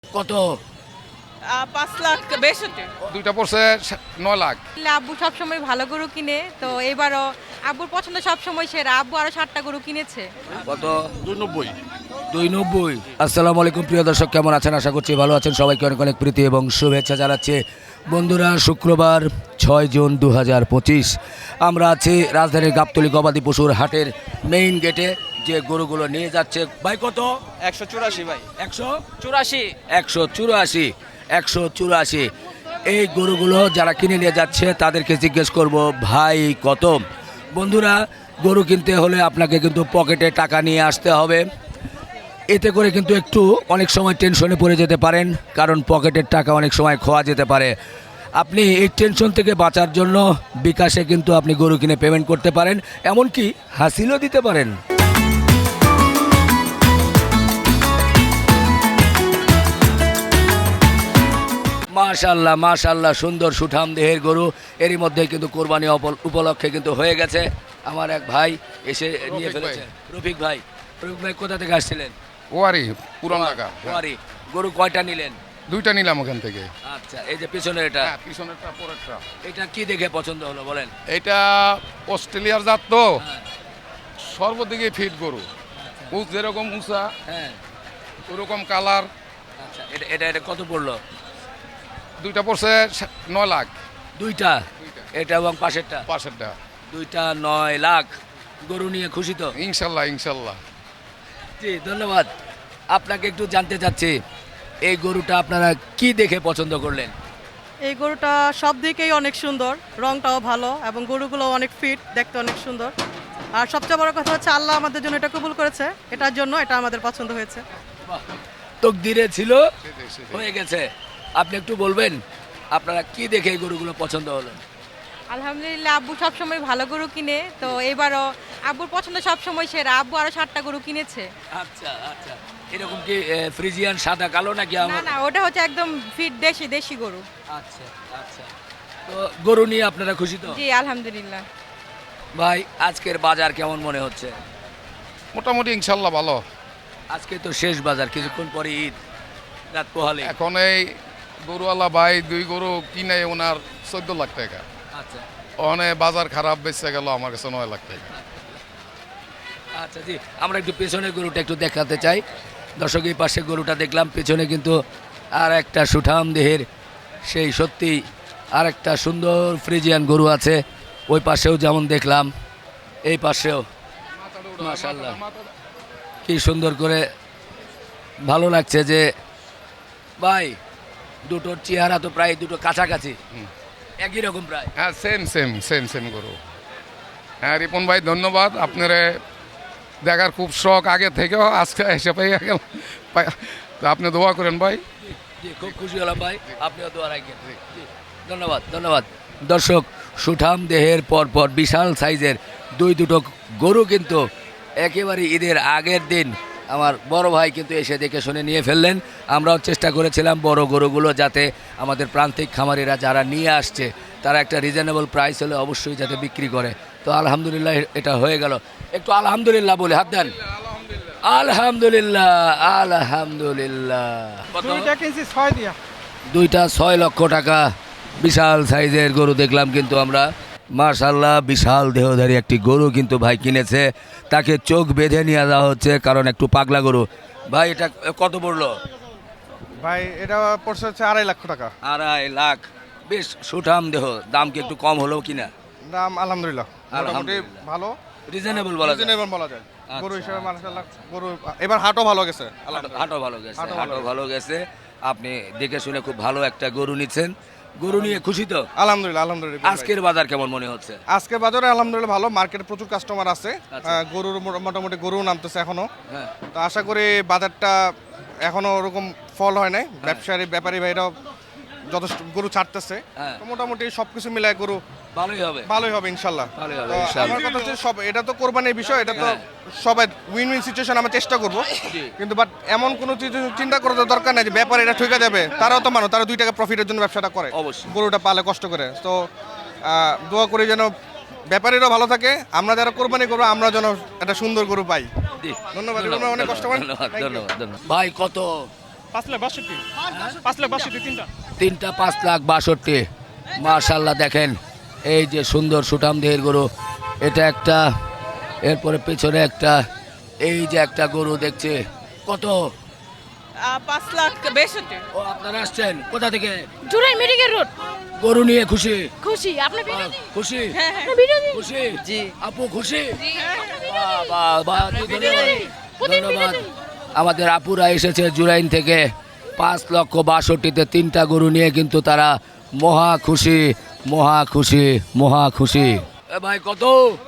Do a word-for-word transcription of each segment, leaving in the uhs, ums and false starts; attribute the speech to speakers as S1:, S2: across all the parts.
S1: কত?
S2: আহ, পাঁচ লাখ বেষট্টি।
S3: দুইটা পড়ছে নয় লাখ।
S4: আব্বু সবসময় ভালো গরু কিনে, তো এবারও আব্বুর পছন্দ সবসময় সেরা। আব্বু আরো ষাটটা গরু কিনেছে।
S1: কত?
S3: দুই নব্বই।
S1: দুই নব্বই। আসসালামু আলাইকুম প্রিয় দর্শক, কেমন আছেন? আশা করছি ভালো আছেন। সবাইকে অনেক অনেক প্রীতি এবং শুভেচ্ছা জানাচ্ছি। বন্ধুরা, শুক্রবার ছয় জুন দু হাজার পঁচিশ আমরা আছি রাজধানীর গাবতলী গবাদি পশুর হাটের মেইন গেটে। যে গরুগুলো নিয়ে যাচ্ছে ভাই, কত?
S5: একশো চুরাশি ভাই।
S1: একশো
S5: চুরাশি।
S1: একশো চুরাশি একশো চুরাশি এই গরুগুলো যারা কিনে নিয়ে যাচ্ছে তাদেরকে জিজ্ঞেস করব, ভাই কত? বন্ধুরা, গরু কিনতে হলে আপনাকে কিন্তু পকেটে টাকা নিয়ে আসতে হবে। এতে করে কিন্তু একটু অনেক সময় টেনশনে পড়ে যেতে পারেন, কারণ পকেটের টাকা অনেক সময় খোয়া যেতে পারে। আপনি এই টেনশন থেকে বাঁচার জন্য বিকাশে কিন্তু আপনি গরু কিনে পেমেন্ট করতে পারেন, এমনকি হাসিলও দিতে পারেন। মাশাল্লাহ মাশাল্লাহ, সুন্দর সুঠাম দেহের গরু। এরই মধ্যে কিন্তু কোরবানি অপ- উপলক্ষে কিন্তু হয়ে গেছে। আমার এক ভাই এসে নিয়ে
S3: রফিক
S1: ফেলেছে।
S3: ভাই।
S1: রফিক ভাই, রফিক ভাই কোথা থেকে আসছিলেন?
S3: ওয়ারি পুরান ঢাকা।
S1: ওয়ারি। গরু কয়টা নিলেন?
S3: দুইটা নিলাম ওখান থেকে।
S1: আচ্ছা, এই যে পিছনের এটা,
S3: হ্যাঁ, পিছনেরটা পরেরটা।
S1: এটা কি দেখে পছন্দ হলো বলেন?
S3: এটা অস্ট্রেলিয়ার জাত তো,
S1: হ্যাঁ,
S3: সর্বদিকে ফিট গরু। উঁচ যেরকম উঁচা,
S1: হ্যাঁ।
S3: ওরকম কালার।
S1: আচ্ছা, এটা এটা এটা কত পড়লো?
S3: দুইটা পড়ছে নয় লাখ।
S1: দুইটা?
S3: দুইটা।
S1: এটা এবং পাশেরটা?
S3: পাশেরটা।
S1: দুইটা নয় লাখ। গরু নিয়ে খুশি তো?
S3: ইনশাল্লাহ ইনশাল্লাহ।
S1: জি, ধন্যবাদ। আপনাকে একটু জানতে চাচ্ছি, এই গরুটা আপনারা কি দেখে পছন্দ করলেন?
S2: এই গরুটা সব দিকেই অনেক সুন্দর, রংটাও ভালো এবং গরুগুলো অনেক ফিট, দেখতে অনেক সুন্দর। আর সবচেয়ে বড় কথা হচ্ছে আল্লাহ আমাদের জন্য এটা কবুল করেছে, এটার জন্য এটা আমাদের পছন্দ হয়েছে।
S1: তকদিরে ছিল,
S3: সেটাই, সেটাই।
S1: হয়ে গেছে। আপনি একটু বলবেন আপনারা কি দেখে এই গরুগুলো পছন্দ হলো?
S4: আলহামদুলিল্লাহ, আব্বু সবসময় ভালো গরু কিনে, তো এবারও আব্বুর পছন্দ সবসময় সেরা। আব্বু আরো ষাটটা গরু কিনেছে।
S1: আচ্ছা আচ্ছা, এরকম কি এ, ফ্রিজিয়ান সাদা কালো নাকি
S4: না
S1: আমার?
S4: না, ওটা হচ্ছে একদম ফিট দেশি দেশি গরু।
S1: আচ্ছা আচ্ছা, তো গরু নিয়ে আপনারা খুশি তো?
S4: জি আলহামদুলিল্লাহ।
S1: ভাই, আজকের বাজার কেমন মনে হচ্ছে?
S3: মোটামুটি ইনশাল্লাহ ভালো।
S1: আজকে তো শেষ বাজার, কিছুক্ষণ পরে ঈদ, রাত পোহালে।
S3: এখন এই গরুওয়ালা ভাই দুই গরু কিনে ওনার চোদ্দ লাখ টাকা।
S1: আচ্ছা
S3: ওখানে বাজার খারাপ বেঁচে গেল আমার কাছে নয় লাখ টাকা।
S1: আচ্ছা, জি, আমরা একটু পেছনের গরুটা একটু দেখাতে চাই। দর্শক, এই পাশে গরুটা দেখলাম, পেছনে কিন্তু আর একটা সুঠাম দেহের, সেই সত্যি আর একটা সুন্দর ফ্রিজিয়ান গরু আছে। ওই পাশেও যেমন দেখলাম, এই পাশেও মাশাআল্লাহ কি সুন্দর করে, ভালো লাগছে যে ভাই দুটোর চেহারা তো প্রায় দুটো কাছাকাছি,
S3: হুম।
S1: একই রকম প্রায়।
S3: হ্যাঁ, সেম সেম সেম সেম গরু। হ্যাঁ রিপন ভাই, ধন্যবাদ। আপনার দেখার খুব শখ আগে থেকেও, আজকে এসে পেয়ে গেল। পাই- তো আপনি দোয়া করেন ভাই।
S1: জি, খুব খুশি হলাম ভাই, আপনিও দোয়া রাখেন। জি, ধন্যবাদ ধন্যবাদ। দর্শক, সুঠাম দেহের পর পর বিশাল সাইজের দুই দুটো গরু কিন্তু একেবারে ঈদের আগের দিন আমার বড় ভাই কিন্তু এসে দেখে শুনে নিয়ে ফেললেন। আমরাও চেষ্টা করেছিলাম বড় গরুগুলো যাতে আমাদের প্রান্তিক খামারিরা যারা নিয়ে আসছে তারা একটা রিজনেবল প্রাইস হলে অবশ্যই যাতে বিক্রি করে। তো আলহামদুলিল্লাহ এটা হয়ে গেল। একটু আলহামদুলিল্লাহ বলে হাত দেন। আলহামদুলিল্লাহ আলহামদুলিল্লাহ। কত?
S5: দুইটা কিনছি ছয় দিয়া।
S1: দুইটা ছয় লক্ষ টাকা। বিশাল সাইজের গরু দেখলাম কিন্তু আমরা। মাশাআল্লাহ, বিশাল দেহধারী একটি গরু কিন্তু ভাই কিনেছে। তাকে চোখ বেঁধে নিয়ে যাওয়া হচ্ছে, কারণ একটু পাগলা গরু। ভাই, এটা কত পড়লো?
S5: ভাই এটা পড়ছে হচ্ছে আড়াই লক্ষ টাকা।
S1: আড়াই লাখ। বেশ সুঠাম দেহ, দাম কি একটু কম হলো কিনা?
S5: দাম আলহামদুলিল্লাহ মোটামুটি
S1: আলহামদুলিল্লাহ।
S5: ভালো,
S1: রিজনেবল বলা যায়।
S5: রিজনেবল বলা যায়। গরু
S1: আচ্ছা,
S5: হিসেবে মাশাআল্লাহ গরু এবার হাটও ভালো গেছে।
S1: হাটও- হাটও ভালো গেছে,
S5: হাটও ভালো
S1: হাটও ভালো গেছে। আপনি দেখে শুনে খুব ভালো একটা গরু নিচ্ছেন। গরু নিয়ে খুশি তো?
S5: আলহামদুলিল্লাহ আলহামদুলিল্লাহ। আজকে
S1: আজকের বাজার কেমন মনে হচ্ছে?
S5: আজকে বাজারে আলহামদুলিল্লাহ ভালো, মার্কেটে প্রচুর কাস্টমার আছে।
S1: আচ্ছা।
S5: আহ, গরুর মো- মোটামুটি গরু নামতেছে এখনো।
S1: হ্যাঁ,
S5: তো আশা করি বাজারটা এখনো ওরকম ফল হয় নাই, ব্যবসায়ী ব্যাপারী ভাইরাও যথেষ্ট গরু ছাড়তেছে।
S1: হ্যাঁ।
S5: তো মোটামুটি সবকিছু মিলায় গরু
S1: ভালোই হবে।
S5: ভালোই হবে ইনশাল্লাহ।
S1: ভালোই হবে
S5: তো
S1: ইনশাআল্লাহ।
S5: আমার কথা হচ্ছে সব, এটা তো কোরবানির বিষয়, এটা তো
S1: হ্যাঁ।
S5: সবাই উইন উইন সিচুয়েশন আমরা চেষ্টা করব।
S1: জি।
S5: কিন্তু বাট এমন কোনো চিন্তা- চিন্তা করার তো দরকার নাই যে ব্যাপার এটা ঠকে যাবে। তারাও তো মানুষ, তারা দুই টাকা প্রফিটের জন্য ব্যবসাটা করে,
S1: অবশ্যই।
S5: গরুটা পালে কষ্ট করে। তো আহ, দোয়া করি যেন ব্যাপারীরাও ভালো থাকে, আমরা যারা কোরবানি করবো আমরা যেন একটা সুন্দর গরু পাই।
S1: জি,
S5: ধন্যবাদ, এগুলো অনেক কষ্ট করেন।
S1: ধন্যবাদ
S5: Thank you.
S1: ধন্যবাদ ধন্যবাদ। ভাই কত?
S6: পাঁচ লাখ বাষট্টি পাঁচ লাখ বাষট্টি তিনটা
S1: তিনটা পাঁচ লাখ বাষট্টি। মাশাল্লাহ দেখেন এই যে সুন্দর সুঠাম দেহের গরু, এটা একটা, এরপরে পেছনে একটা, এই যে একটা গরু দেখছে। কত?
S7: পাঁচ লাখ বেষট্টি।
S1: ও আপনারা আসছেন কোথা থেকে?
S7: Jurain medical road.
S1: গরু নিয়ে খুশি?
S7: খুশি। আপনি
S1: বাহ, খুশি
S7: বিরোধী?
S1: খুশি
S7: জি।
S1: আপু খুশি? বাহ, বাহ, বাহ, জি, ধন্যবাদ ধন্যবাদ। আমাদের আপুরা এসেছে জুরাইন থেকে, পাঁচ লক্ষ বাষট্টিতে তিনটা গরু নিয়ে কিন্তু তারা মহা খুশি মহা খুশি মহা খুশি। এ ভাই কত?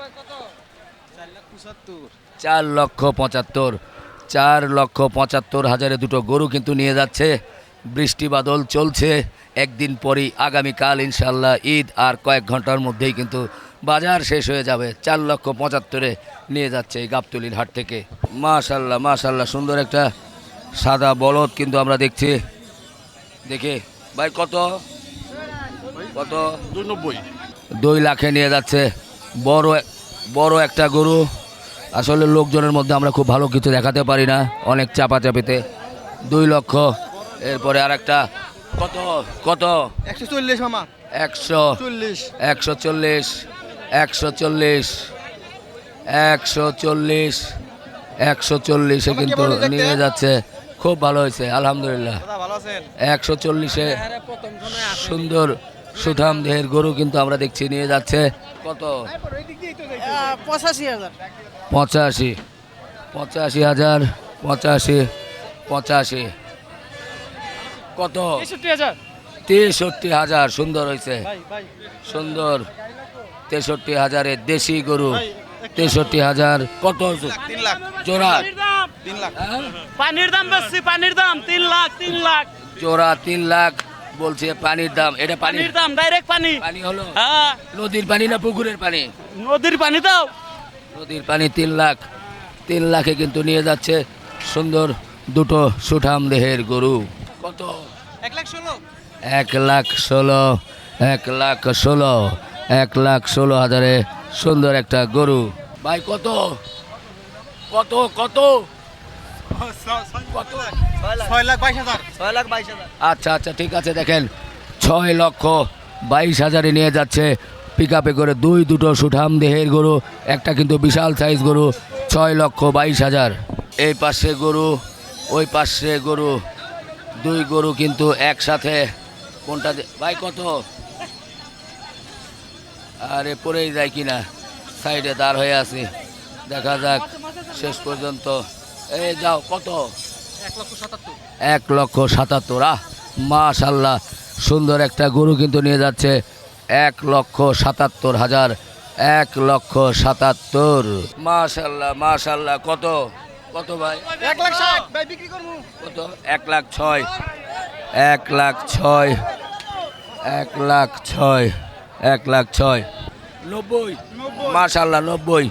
S1: চার লক্ষ পঁচাত্তর চার লক্ষ পঁচাত্তর হাজারে দুটো গরু কিন্তু নিয়ে যাচ্ছে। বৃষ্টি বাদল চলছে, একদিন পরই আগামীকাল ইনশাল্লাহ ঈদ, আর কয়েক ঘন্টার মধ্যেই কিন্তু বাজার শেষ হয়ে যাবে। চার লক্ষ পঁচাত্তরে নিয়ে যাচ্ছে এই গাবতলির হাট থেকে। মাশাল্লাহ মাশাল্লাহ সুন্দর একটা সাদা বলদ কিন্তু আমরা দেখছি। দেখে ভাই কত কত?
S6: দুই নব্বই।
S1: দুই লাখে নিয়ে যাচ্ছে বড় বড় একটা গরু। আসলে লোকজনের মধ্যে আমরা খুব ভালো কিছু দেখাতে পারি না, অনেক চাপাচাপিতে। দুই লক্ষ। এরপরে আর একটা কত কত?
S5: একশো চল্লিশ মামা।
S1: একশো
S5: চল্লিশ।
S1: একশো চল্লিশ একশো চল্লিশ একশো চল্লিশ একশো চল্লিশে কিন্তু নিয়ে যাচ্ছে। খুব ভালো হয়েছে আলহামদুলিল্লাহ।
S5: ভালো আছেন?
S1: একশো চল্লিশে সুন্দর সুঠাম দেহের গরু কিন্তু আমরা দেখছি নিয়ে যাচ্ছে। কত?
S2: পঁচাশি হাজার।
S1: পঁচাশি পঁচাশি হাজার পঁচাশি পঁচাশি কত?
S6: তেষট্টি হাজার।
S1: তেষট্টি হাজার। সুন্দর হয়েছে সুন্দর। তেষট্টি হাজারের দেশি গরু, তেষট্টি হাজার। কত
S5: তিন লাখ।
S1: জোড়া?
S5: তিন লাখ।
S1: হ্যাঁ?
S6: পানির দাম বেশি, পানির দাম তিন লাখ তিন লাখ
S1: জোড়া তিন লাখ বলছে। পানির দাম? এটা পানি?
S6: পানির দাম ডাইরেক্ট পানি।
S1: পানি হলো
S6: হ্যাঁ,
S1: নদীর পানি না পুকুরের পানি?
S6: নদীর পানি দাও।
S1: নদীর পানি। তিন লাখ তিন লাখে কিন্তু নিয়ে যাচ্ছে সুন্দর দুটো সুঠাম দেহের গরু। কত?
S5: এক লাখ ষোলো।
S1: এক লাখ ষোলো এক লাখ ষোলো এক লাখ ষোলো হাজারে সুন্দর একটা গরু। ভাই কত কত কত কত?
S5: ছয় লাখ বাইশ হাজার। ছয় লাখ বাইশ হাজার।
S1: আচ্ছা আচ্ছা ঠিক আছে। দেখেন ছয় লক্ষ বাইশ হাজারে নিয়ে যাচ্ছে পিক আপে করে দুই দুটো সুঠাম দেহের গরু, একটা কিন্তু বিশাল সাইজ গরু। ছয় লক্ষ বাইশ হাজার। এই পাশে গরু, ওই পাশে গরু, দুই গরু কিন্তু একসাথে। কোনটা দে- ভাই কত? আরে পড়েই যায় কিনা, সাইডে দাঁড় হয়ে আছি, দেখা যাক শেষ পর্যন্ত। এই যাও কত? এক লক্ষ সাতাত্তর। আহ মাশাল্লাহ সুন্দর একটা গরু কিন্তু নিয়ে যাচ্ছে এক লক্ষ সাতাত্তর হাজার। এক লক্ষ সাতাত্তর। মাশাল্লাহ মাশাল্লাহ। কত কত ভাই?
S5: এক লাখ ষাট। ভাই বিক্রি করবো।
S1: কত? এক লাখ ছয় এক লাখ ছয় এক লাখ ছয় এক লাখ ছয়। নব্বই। মাশাল্লাহ নব্বই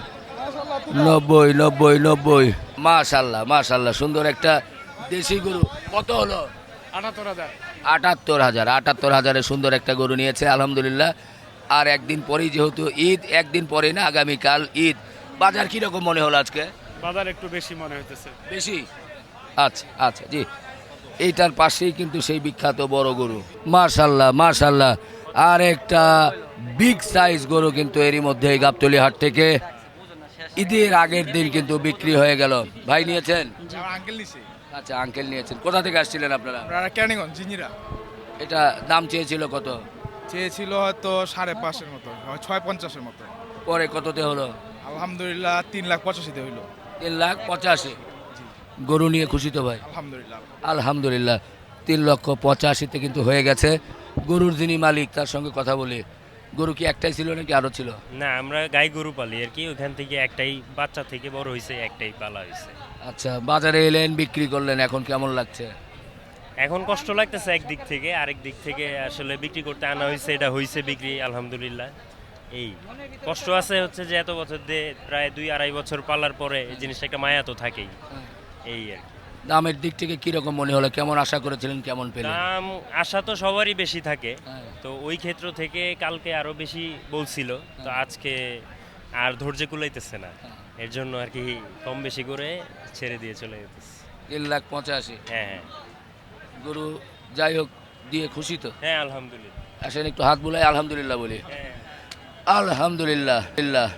S1: নব্বই নব্বই নব্বই। মাশাল্লাহ মাশাল্লাহ সুন্দর একটা দেশি গরু। কত হলো?
S6: আটাত্তর হাজার।
S1: আটাত্তর হাজার আটাত্তর হাজারে সুন্দর একটা গরু নিয়েছে আলহামদুলিল্লাহ। আর একদিন পরেই যেহেতু ঈদ, একদিন পরে না আগামীকাল ঈদ। বাজার কীরকম মনে হলো আজকে?
S6: বাজার একটু বেশি মনে হইতেছে।
S1: বেশি? আচ্ছা আচ্ছা জি। এইটার পাশেই কিন্তু সেই বিখ্যাত বড় গরু। মার্শাল্লাহ মার্শাল্লাহ। আর একটা বিগ সাইজ গরু কিন্তু এরই মধ্যে এই গাবতলী হাট থেকে ঈদের আগের দিন কিন্তু বিক্রি হয়ে গেল। ভাই নিয়েছেন?
S6: আঙ্কেল নিছে।
S1: আচ্ছা আঙ্কেল নিয়েছেন। কোথা থেকে আসছিলেন আপনারা?
S6: আপনারা কেরানীগঞ্জ জিঞ্জিরা।
S1: এটা দাম চেয়েছিল কত?
S6: চেয়েছিল হয়তো সাড়ে পাঁচের মতো, ছয় পঞ্চাশের মতো।
S1: পরে কততে হলো?
S6: আলহামদুলিল্লাহ তিন লাখ পঁচাশিতে হইলো।
S1: তিন লাখ পঁচাশি। গরু নিয়ে খুশি তো ভাই?
S6: আলহামদুলিল্লাহ।
S1: আলহামদুলিল্লাহ তিন লক্ষ পঁচাশিতে কিন্তু হয়ে গেছে। গরুর যিনি মালিক তার সঙ্গে কথা বলি। গরু কি একটাই ছিল নাকি আরও ছিল?
S8: না, আমরা গাই গরু পালি আর কি, ওখান থেকে একটাই বাচ্চা থেকে বড় হয়েছে, একটাই পালা হয়েছে।
S1: আচ্ছা বাজারে এলেন, বিক্রি করলেন, এখন কেমন লাগছে?
S8: এখন কষ্ট লাগতেছে একদিক থেকে, আরেক দিক থেকে আসলে বিক্রি করতে আনা হয়েছে, এটা হয়েছে বিক্রি আলহামদুলিল্লাহ। এই কষ্ট আছে হচ্ছে যে এত বছর দিয়ে প্রায় দুই আড়াই বছর পালার পরে এই জিনিসটা একটা মায়া তো থাকেই। এই আর কি।
S1: দামের দিক থেকে কিরকম মনে হলো? কেমন আশা করেছিলেন, কেমন পেলেন?
S8: দাম আশা তো সবারই বেশি থাকে,
S1: হ্যাঁ।
S8: তো ওই ক্ষেত্র থেকে কালকে আরো বেশি বলছিল, তো আজকে আর ধৈর্য কুলাইতেছে না, এর জন্য আর কি কম বেশি করে ছেড়ে দিয়ে চলে যেতেছে।
S1: তিন লাখ পঁচাশি।
S8: হ্যাঁ হ্যাঁ।
S1: গরু যাই হোক দিয়ে খুশি তো?
S8: হ্যাঁ আলহামদুলিল্লাহ।
S1: আসেন একটু হাত বুলাই আলহামদুলিল্লাহ বলি।
S8: হ্যাঁ
S1: আলহামদুলিল্লাহ।